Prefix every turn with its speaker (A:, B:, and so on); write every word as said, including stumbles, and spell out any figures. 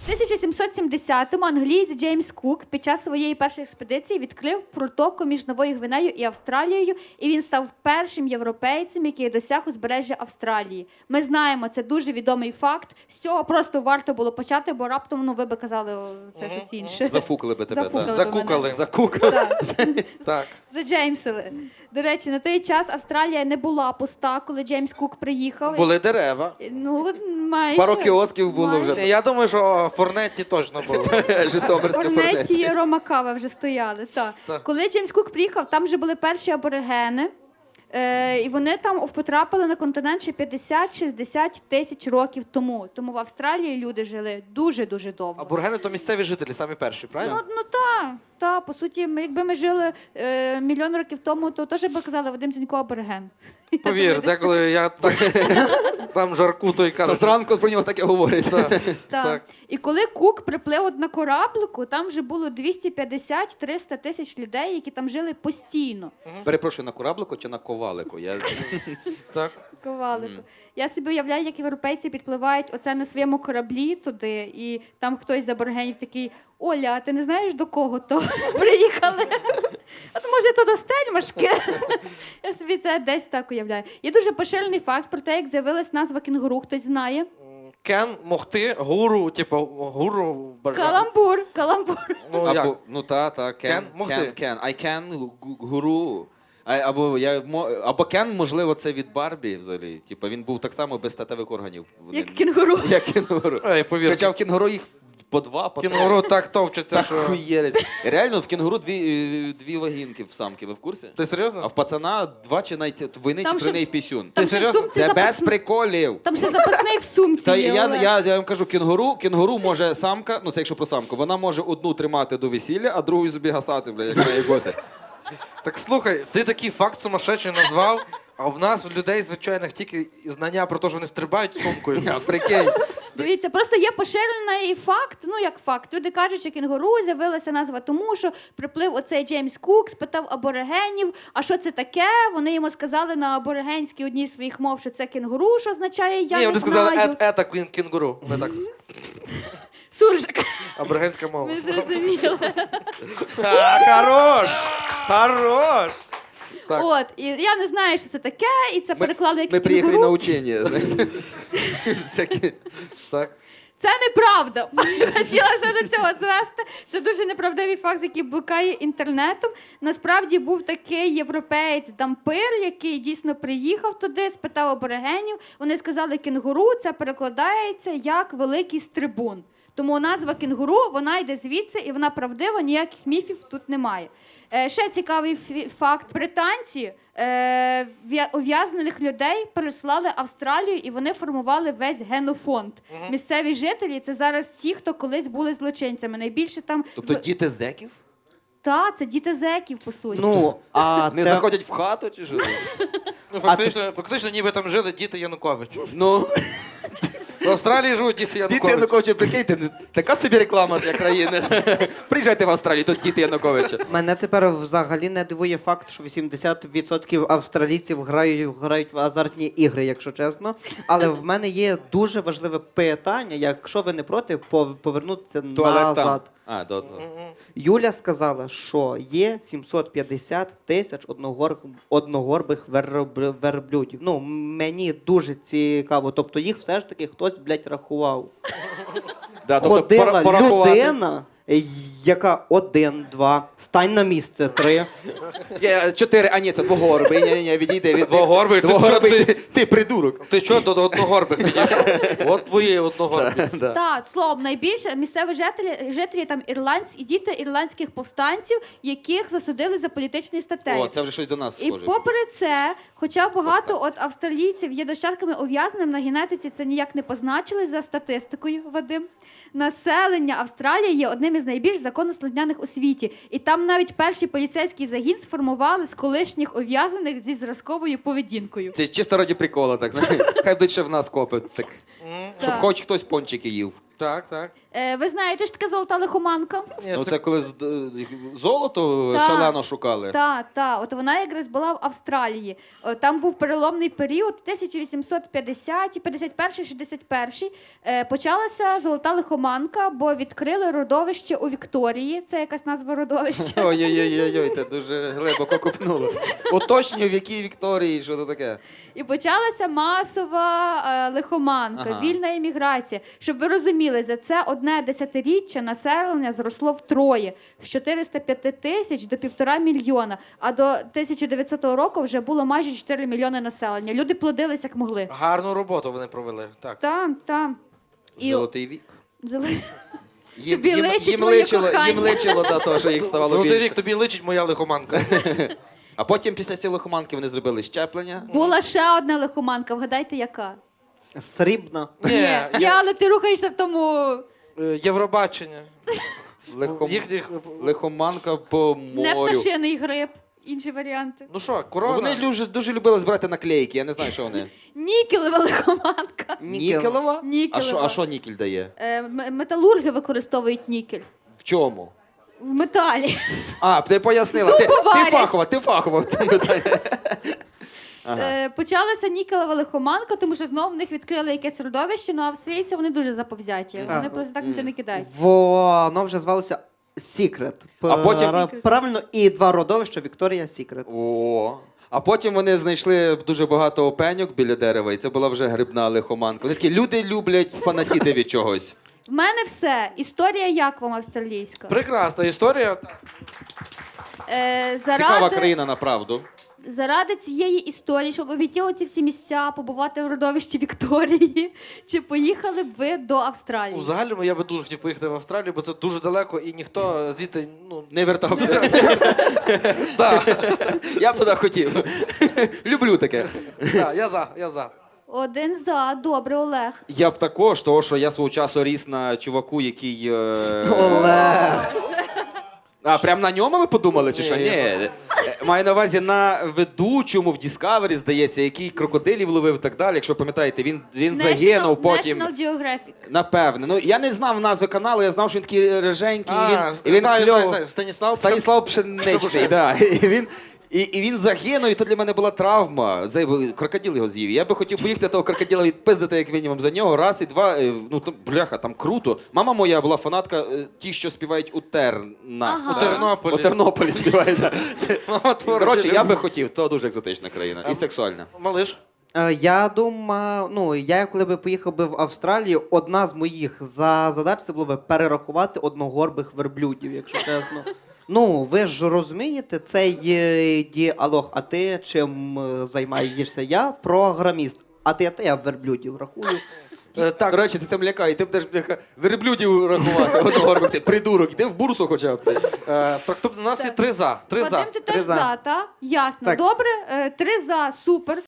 A: тисяча сімсот сімдесятому англієць Джеймс Кук під час своєї першої експедиції відкрив протоку між Новою Гвинеєю і Австралією, і він став першим європейцем, який досяг узбережжя Австралії. Ми знаємо, це дуже відомий факт. З цього просто варто було почати, бо раптом, ну, ви би казали, о, це щось інше.
B: Зафукали би тебе.
A: Зафукали
B: так.
A: би
C: Закукали.
A: мене.
B: Закукали.
A: Так.
C: Так.
A: Заджеймсили. До речі, на той час Австралія не була пуста, коли Джеймс Кук приїхав.
C: Були дерева.
A: Ну, майже.
B: Пару кіосків було
A: Майже.
B: вже.
C: Я думаю, що в Форнетті точно було.
B: Житомирська
A: Корнетті
B: фортеця.
A: і Рома Кава вже стояли. Так.
C: Так.
A: Коли Джеймс Кук приїхав, там вже були перші аборигени. Е, і вони там потрапили на континент ще п'ятдесят-шістдесят тисяч років тому. Тому в Австралії люди жили дуже-дуже довго.
C: Аборигени то місцеві жителі, самі перші,
A: Ну,
C: правильно?
A: ну так, та, по суті, ми, якби ми жили е, мільйон років тому, то теж би казали Вадим Зінько абориген. Я
C: Повір,
A: думаю, десь
C: деколи я так там жарку той
B: Та
C: кажу.
B: зранку про нього таке говорять.
C: Так.
A: Так.
C: Так.
A: І коли Кук приплив от на кораблику, там вже було двісті п'ятдесят - триста тисяч людей, які там жили постійно.
B: Перепрошую, на кораблику чи на ковалику? Я...
C: Так.
A: Ковалику. Я собі уявляю, як європейці підпливають оце на своєму кораблі туди, і там хтось з аборигенів такий: Оля, а ти не знаєш, до кого то приїхали? От може то до Стельмашки? Я собі це десь так уявляю. Є дуже поширений факт про те, як з'явилась назва кінгуру. Хтось знає?
C: Кен, могти, гуру, типу, гуру. бажа-
A: Каламбур, каламбур.
C: Ну, як?
B: Або, ну та, та, can,
C: Can? Могти.
B: can, can. I can, гу- гуру. А, або, я, мо- або Кен, можливо, це від Барбі взагалі. Типа він був так само без статевих органів. Вони-
A: Як кінгуру.
B: Як кінгуру.
C: Ей, повір.
B: Хоча в кінгуру їх по два, по три.
C: Кінгуру так товчеться,
B: Так
C: що...
B: хуєрить. Реально, в кінгуру дві, е, дві вагінки в самки, ви в курсі?
C: Ти серйозно?
B: А в пацана два чи навіть двойний
A: Там
B: чи
A: ще
B: тройний
A: в-
B: пісюн.
A: Там
C: Ти
A: ще в
C: серйозно?
A: сумці
B: Це без
A: запасний.
B: приколів.
A: Там ще запасний в сумці
B: Це
A: є,
B: я,
A: Олег.
B: я, я вам кажу, кінгуру, кінгуру може самка, ну це якщо про самку, вона може одну тримати до весілля, а другу собі гасати, бля, як має бути.
C: Так слухай, ти такий факт сумасшедший назвав, а в нас, в людей звичайних, тільки знання про те, що вони стрибають сумкою.
B: А прикинь.
A: Дивіться, просто є поширений факт, ну як факт. Люди кажуть, що кінгуру з'явилася назва тому, що приплив оцей Джеймс Кук, спитав аборигенів, а що це таке? Вони йому сказали на аборигенській одній з своїх мов, що це кінгуру, що означає «я
C: Ні,
A: не
C: вони сказали,
A: знаю».
C: ет, ета кін- кінгуру. Не так.
A: Суржик,
C: Аборигенська мова.
A: ми зрозуміли.
C: А, хорош! Хорош! Так.
A: От, і я не знаю, що це таке, і це переклали як
B: Ми приїхали на
A: кінгуру.
B: учення. знаєте. Це кі-
C: Так.
A: Це неправда. Хотіла все до цього звести. Це дуже неправдивий факт, який блукає інтернетом. Насправді був такий європеєць Дампир, який дійсно приїхав туди, спитав аборигенів. Вони сказали кінгуру, це перекладається як великий стрибун. Тому назва кінгуру, вона йде звідси, і вона правдива, ніяких міфів тут немає. Е, ще цікавий фі- факт. Британці е, в'я- ув'язнених людей переслали в Австралію, і вони формували весь генофонд. Місцеві жителі – це зараз ті, хто колись були злочинцями. Найбільше там...
B: Тобто
A: зло-
B: діти зеків?
A: Та, це діти зеків, по суті.
D: Ну, а
B: Не
D: те-
B: заходять в хату чи що?
C: Ну, фактично, фактично, ніби там жили діти Януковича.
B: Ну,
C: В Австралії живуть діти
B: діти
C: Януковича.
B: Януковича, прикиньте, така собі реклама для країни. Приїжджайте в Австралію, тут діти Януковича.
D: Мене тепер взагалі не дивує факт, що вісімдесят відсотків австралійців грають, грають в азартні ігри, якщо чесно. Але в мене є дуже важливе питання, якщо ви не проти, пов- повернутися
B: Туалет там.
D: назад.
B: А, до одного.
D: Юля сказала, що є сімсот п'ятдесят тисяч одногор... одногорбих верб- верблюдів. Ну, мені дуже цікаво. Тобто їх все ж таки хтось, блядь, рахував.
B: Да, тобто
D: Ходила
B: пора- порахувати.
D: людина, яка один, два, стань на місце, три.
B: Є чотири, а ні, це двогорбий. Ні, ні, ні, відійди від
C: Двогорбий? Ти-
B: Двогорбий,
C: ти-
B: ти, ти придурок.
C: Ти що до одногорбих підійшов? От твої одногорбі.
B: Да.
A: Так, словом, найбільше місцеві жителі, жителі там ірландські, і діти ірландських повстанців, яких засудили за політичні статтею.
B: О, це вже щось до нас
A: І
B: схоже.
A: попри це, хоча багато от
B: Повстанці.
A: австралійців є нащадками ув'язненим, на генетиці це ніяк не позначили за статистикою, Вадим. Населення Австралії є одним із найбільш законослухняних у світі. І там навіть перший поліцейський загін сформували з колишніх ув'язнених зі зразковою поведінкою.
B: Це чисто раді прикола, так, знаєш. Хай будуть ще в нас копи, так. Щоб
A: Так.
B: хоч хтось пончики їв.
C: Так, так.
A: Е, ви знаєте, що таке золота лихоманка?
C: Ні,
B: Ну
C: це-
B: це коли з- е, золото
A: Так.
B: шалено шукали.
A: Так, так. От вона якраз була в Австралії. О, Там був переломний період, тисяча вісімсот п'ятдесяті, п'ятдесят перший, шістдесят перший. Е, почалася золота лихоманка, бо відкрили родовище у Вікторії. Це якась назва родовища.
B: Ой-ой-ой, це дуже глибоко копнуло. Уточнюю, в якій Вікторії, що це таке.
A: І почалася масова е, лихоманка,
B: Ага.
A: вільна еміграція. Щоб ви розуміли, за це одне десятиріччя населення зросло втроє з чотириста п'яти тисяч до півтора мільйона. А до тисяча дев'ятсотого року вже було майже чотири мільйони населення. Люди плодились як могли.
C: Гарну роботу вони провели. Так.
A: Там, там. І
B: Золотий вік.
A: Золо-
B: Їм,
A: Тобі
B: їм,
A: личить
B: їм
A: моє
B: личило,
A: кохання.
B: їм личило да, то, що їх ставало
C: Золотий
B: більше.
C: рік тобі личить моя лихоманка.
B: А потім після цієї лихоманки вони зробили щеплення.
A: Була ще одна лихоманка, вгадайте, яка?
D: Срібна.
C: Ні,
A: Ні, але ти рухаєшся в тому.
C: е, Євробачення.
B: Лихом...
C: Їхніх...
B: Лихоманка по
A: Не
B: морю.
A: пташиний гриб. Інші варіанти.
C: Ну що,
B: Ну,
C: корона?
B: Вони дуже, дуже любили збирати наклейки, я не знаю, що вони.
A: Нікелева лихоманка.
B: Нікелова?
A: Нікелева.
B: А що, а що нікель дає?
A: Е, м- металурги використовують нікель.
B: В чому?
A: В металі.
B: А, ти пояснила.
A: Зуби
B: Ти, ти
A: варять.
B: фахова, ти фахова в цьому питанні. Ага.
A: Е, почалася нікелева лихоманка, тому що знову в них відкрили якесь родовище, ну австрійці вони дуже заповзяті. Вони
D: Ага.
A: просто так нічого не кидають.
D: Воно вже звалося Secret.
B: А потім-
D: Пра- Правильно, і два родовища Вікторія Secret.
B: О. А потім вони знайшли дуже багато опеньок біля дерева, і це була вже грибна лихоманка. Вони такі, люди люблять фанатіти від чогось.
A: В мене все. Історія як вам австралійська?
C: Прекрасна історія.
A: Е,
B: Цікава
A: заради,
B: країна, направду.
A: заради цієї історії, щоб обійти ці всі місця, побувати в родовищі Вікторії, чи поїхали б ви до Австралії?
C: У загальному я би дуже хотів поїхати в Австралію, бо це дуже далеко і ніхто звідти, ну,
B: Не вертався. Я б туди хотів. Люблю таке.
C: да, я за, я за.
A: Один за. Добре, Олег.
B: Я б також, того, що я свого часу ріс на чуваку, який. е,
D: Олег.
B: А, прям на ньому ви подумали, чи
C: Ні,
B: що?
C: я-
B: Ні. Е, Маю на увазі на ведучому в Discovery, здається, який крокодилів ловив і так далі. Якщо пам'ятаєте, він, він загинув потім.
A: National Geographic.
B: Напевне. Ну, я не знав назви каналу, я знав, що він такий реженький, і він,
C: А,
B: і він
C: знаю,
B: кльово-
C: знаю, знаю. Станіслав.
B: Станіслав Пшеничний,
C: Пшеничний.
B: да. І він, і, і він загинув, і то для мене була травма. Це крокодил його з'їв. Я би хотів поїхати того крокодила відпиздити, як мінімум, за нього. Раз і два. е, Ну, там, бляха, там круто. Мама моя була фанатка е, ті, що співають у Тернах.
A: Ага.
C: У Тернополі.
B: У Тернополі співають. да.
C: Мама творча
B: Коротше, я
C: людина.
B: би хотів. То дуже екзотична країна. І
C: А-
B: сексуальна.
C: Малиш.
D: Е, Я думаю, ну я коли би поїхав би в Австралію, одна з моїх за задач це було би перерахувати одногорбих верблюдів, якщо чесно. Ну, ви ж розумієте, цей е, діалог, а ти чим е, займаєшся? Я програміст. А ти, а ти я верблюдів рахую.
C: Е,
B: Так, до речі, це там лякає. Ти будеш бляха, верблюдів рахувати. Одного ти придурок. Іди в бурсу хоча б.
C: Е, так, тобто у нас є три за. Три за.
A: Вадим, ти
D: Три
A: теж
D: за.
A: за, та? Ясно.
D: Так.
A: Добре, е, три за, супер.